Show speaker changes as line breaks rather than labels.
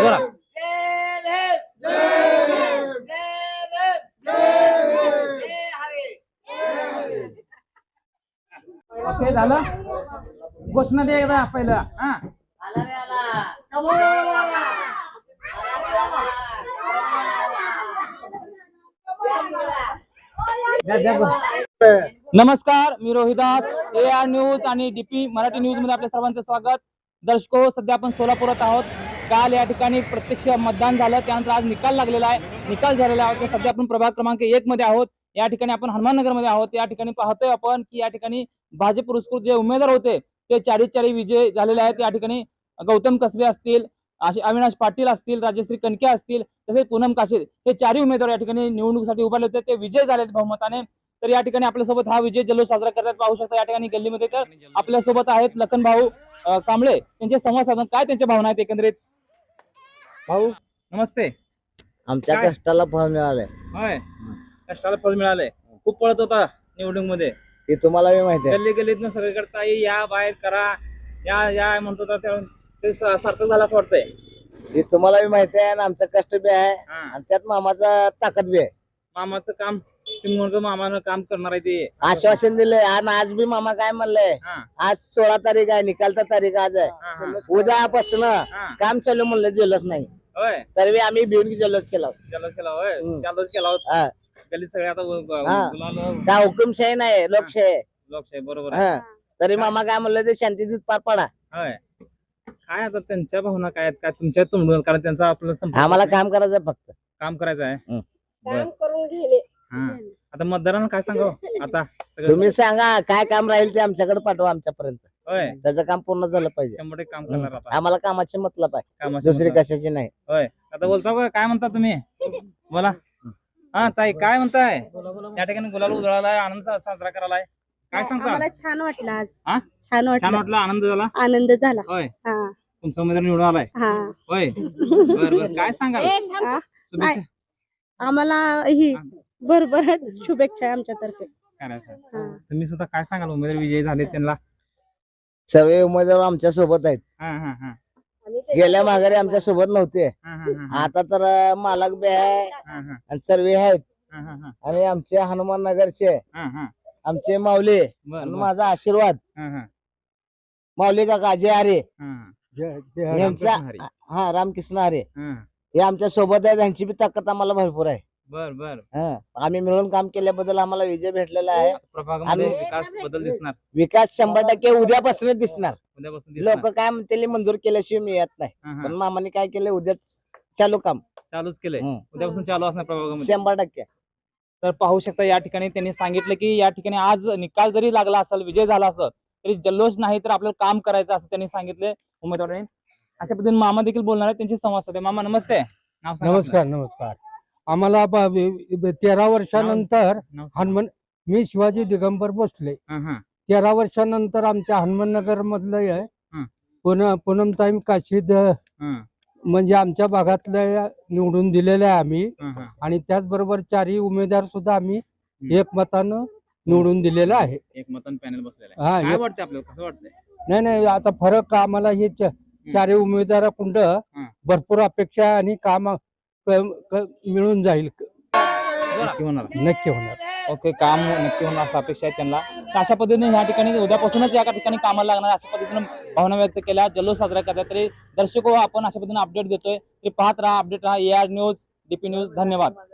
जोरात. ओके झालं. घोषणा दे एकदा पहिलं. हा नमस्कार, मी रोहिदास, AR न्यूज आणि DP मराठी न्यूज मध्ये आपल्या सर्वांचं स्वागत. दर्शको, सध्या आपण सोलापुरात आहोत. काल या ठिकाणी प्रत्यक्ष मतदान झालं, त्यानंतर आज निकाल लागलेला आहे. निकाल झालेला आहे. सध्या आपण प्रभाग क्रमांक 1 मध्ये आहोत. या ठिकाणी आपण हनुमाननगर मध्ये आहोत. या ठिकाणी पाहतोय आपण की या ठिकाणी भाजप पुरस्कृत जे उमेदवार होते ते 40 विजय झालेले आहेत. या ठिकाणी गौतम कसबे असतील, अविनाश पाटील असतील, राजश्री कणके असतील, तसेच पूनम काशीद हे 4 उमेदवार या ठिकाणी निवडणुकीसाठी उभारले होते. ते विजय झालेत बहुमताने. तर या ठिकाणी आपल्यासोबत हा विजय जल्लोष साजरा करतात पाहू शकता या ठिकाणी गल्लीमध्ये. तर आपल्यासोबत आहेत लखन भाऊ कांबळे. त्यांचे संवाद साधन काय त्यांच्या भावना आहेत एकंदरीत. भाऊ नमस्ते.
आमच्या कष्टाला फळ मिळालंय.
होय, कष्टाला फळ मिळालंय. खूप पळत होता निवडणूक मध्ये,
ते तुम्हाला बी माहिती आहे.
गल्ली गल्लीतनं सगळीकडे ताई या, बाहेर करा, या या म्हणत होता. ते सार्थक झालं असं वाटतंय.
ते तुम्हाला बी माहिती आहे आणि आमचं कष्ट बी आहे आणि त्यात मामाचा ताकद बी आहे.
मामाचं काम तुम्ही म्हणतो, मामानं काम करणार आहे ते
आश्वासन दिलंय. आणि आज बी मामा काय म्हणलंय, आज 16 तारीख आहे, निकालचा तारीख आज आहे. उद्यापासून काम चालू म्हणलं जल्लोष नाही.
होय,
तरी आम्ही भिवून जल्लोष केला.
जल्लोष केला. होय, जल्लोष केला होता. गल्लीत सगळे आता
काय हुकुमशाही नाही, लोकशाही.
लोकशाही बरोबर.
तरी मामा काय म्हणलं ते शांतीत पार पडा.
होय, काय आता त्यांच्या भावना काय आहेत, काय तुमच्या तोंडून, कारण त्यांचा आपल्याला
आम्हाला काम करायचं, फक्त
काम करायचं आहे.
काम करून घेले.
आता मतदारांना काय सांगावं आता
तुम्ही सांगा काय काम राहील ते आमच्याकडे पाठवा आमच्यापर्यंत.
होय,
त्याचं काम पूर्ण झालं पाहिजे.
100% काम करणार आता.
आम्हाला कामाची मतलब आहे,
कामाची
दुसरी
मतलब.
कशाची नाही.
होय, आता बोलता का, काय म्हणता तुम्ही, बोला. हा ताई, काय म्हणताय. या ठिकाणी गुलाल उधळालाय, आनंद साजरा करायलाय, काय सांगता.
आम्हाला छान वाटलं आज.
हा?
छान
छान
वाटलं,
वाटलं, आनंद झाला.
आनंद झाला.
होय,
हा
तुमचा उमेदवार निवडून आलाय.
हा
होय, बरं काय सांगाल.
हा.
शुभेच्छा
आम्हाला ही बरोबर शुभेच्छा आहे आमच्यातर्फे.
करायचं.
हा.
तुम्ही सुद्धा काय सांगाल, उमेदवार विजयी झाले त्यांना.
सर्व उमेदवार आमच्या सोबत आहेत.
हा हा हा
गेल्या माघारी आमच्या सोबत नव्हते,
हा हा
आता तर मालक बी आहे
हा हा
आणि सर्व आहेत.
हा
आणि आमचे हनुमान नगरचे
हा हा
आमचे माऊली
बर
आणि
बर.
माझा आशीर्वाद
हा हा
माऊली काका जे हरे
हा
यांचा,
हरी.
हा रामकृष्ण हरे
हा.
हे आमच्या सोबत आहे. त्यांची बी ताकद आम्हाला भरपूर आहे.
बर बर.
आम्ही मिळून काम केल्याबद्दल आम्हाला विजय भेटलेला आहे.
प्रभागामध्ये
आणि-
विकास बदल दिसणार
विकास 100% उद्यापासून दिसणार.
उद्यापासून दिसणार.
लोक काय म्हणतील मंजूर केल्याशिवाय मी येत नाही,
हा, हा.
पण मामाने काय केलं, उद्या चालू काम
चालूच केलंय.
हम्म.
उद्यापासून चालू असणार प्रभागामध्ये.
100%.
तर पाहू शकता या ठिकाणी त्यांनी सांगितलं की या ठिकाणी आज निकाल जरी लागला असेल, विजय झाला असलं तरी जल्लोष नाही, तर आपल्याला काम करायचं असं त्यांनी सांगितले उमेदवारांनी. अशा पद्धतीने मामा देखील बोलणार आहेत, त्यांची संवाद साधे. मामा नमस्ते. नाव सांगा
नमस्कार नमस्कार. आम्हाला 13 वर्षानंतर
आपलं. नाव सांगा.
हनुमान, मी शिवाजी दिगंबर भोसले.
हा, हा.
13 वर्षानंतर आमच्या हनुमाननगर मधलं आहे
हं.
पूनमताई काशीद,
हा,
म्हणजे आमच्या भागातल्या निवडून दिलेल्या आहे आम्ही.
हा, हा.
आणि त्याचबरोबर 4 उमेदवार सुद्धा आम्ही एकमतानं निवडून दिलेलं आहे.
एक मतदान पॅनल बसलेलं
हा,
आहे. काय
एक-
वाटतं आपल्याला, कसं वाटतंय.
नाही आता फरक आम्हाला हे 4 उमेदवाराकुंड भरपूर अपेक्षा आहे आणि काम मिळून जाईल,
नक्की होणार.
नक्की होणार.
ओके, काम नक्की होणार असं अपेक्षा आहे त्यांना. तर अशा पद्धतीने या ठिकाणी उद्यापासूनच या ठिकाणी कामाला लागणार अशा पद्धतीने भावना व्यक्त केल्या, जल्लोष साजरा करतात. तरी दर्शको, आपण अशा पद्धतीने अपडेट देतोय. तरी पाहत राहा, अपडेट राहा. AR news, DP news. धन्यवाद.